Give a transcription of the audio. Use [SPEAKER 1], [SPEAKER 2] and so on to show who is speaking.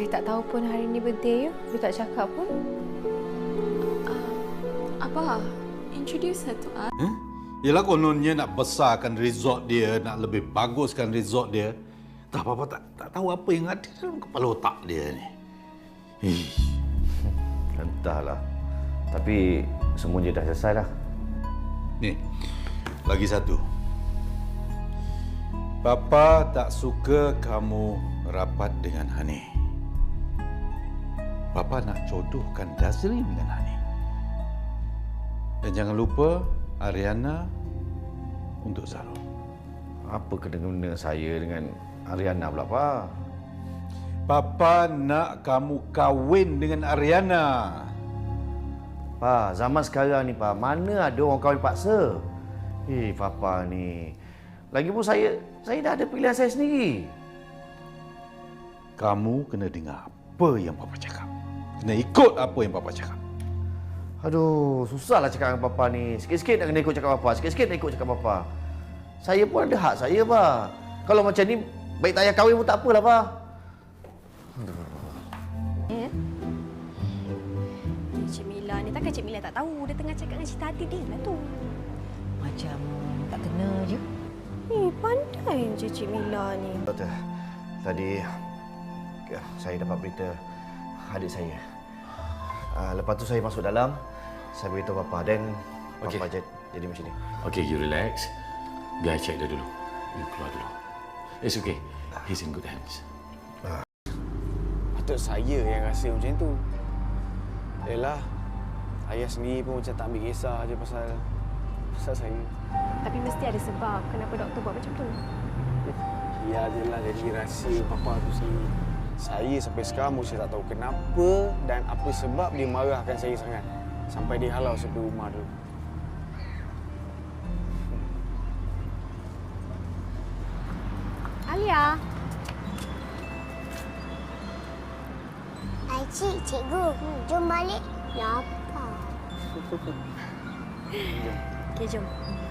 [SPEAKER 1] tak tahu pun hari ni birthday you. Dia tak cakap pun.
[SPEAKER 2] Abah, introduce her to us.
[SPEAKER 3] Yelah kononnya nak besarkan resort dia, nak lebih baguskan resort dia. Tak apa-apa tak tahu apa yang ada dalam kepala otak dia ni.
[SPEAKER 4] Entahlah. Tapi semua je dah selesai dah.
[SPEAKER 3] Ni, lagi satu. Papa tak suka kamu rapat dengan Hani. Papa nak jodohkan Dazrin dengan Hani. Dan jangan lupa Ariana untuk Zarul.
[SPEAKER 4] Apa kena-kena saya dengan Ariana pula, Pak?
[SPEAKER 3] Papa nak kamu kahwin dengan Ariana.
[SPEAKER 4] Pak, zaman sekarang ni, Pak, mana ada orang kahwin paksa? Papa ni. Lagipun saya dah ada pilihan saya sendiri.
[SPEAKER 3] Kamu kena dengar apa yang Papa cakap. Kena ikut apa yang Papa cakap.
[SPEAKER 4] Aduh, susahlah cakap dengan Papa ni. Sikit-sikit nak kena ikut cakap Papa. Sikit-sikit nak ikut cakap Papa. Saya pun ada hak saya, Pak. Kalau macam ni, baik tak payah kahwin pun tak apalah, Pak.
[SPEAKER 5] Cik Mila ni takkan Cik Mila tak tahu. Dia tengah cakap dengan Cik Tati dia lah tu.
[SPEAKER 1] Macam tak kena je.
[SPEAKER 5] Pandai je Cik Mila ni.
[SPEAKER 4] Doktor, tadi saya dapat berita adik saya. Lepas tu saya masuk dalam, saya beritahu Papa dan Papa jadi macam ni.
[SPEAKER 6] Okay, you relax. Biar I check dia dulu. You keluar dulu. It's okay. He's in good hands.
[SPEAKER 7] Patut saya yang rasa macam tu. Yelah, ayah sendiri pun macam tak ambil kisah je pasal saya.
[SPEAKER 5] Tapi mesti ada sebab kenapa doktor buat macam tu.
[SPEAKER 7] Ya jelah jadi rahsia Papa tu sendiri. Saya sampai sekarang masih tak tahu kenapa dan apa sebab dia marahkan saya sangat. Sampai dia halau sampai rumah tu.
[SPEAKER 5] Alia.
[SPEAKER 8] Cik, cikgu, jom balik. Lapar.
[SPEAKER 5] Okey, jom.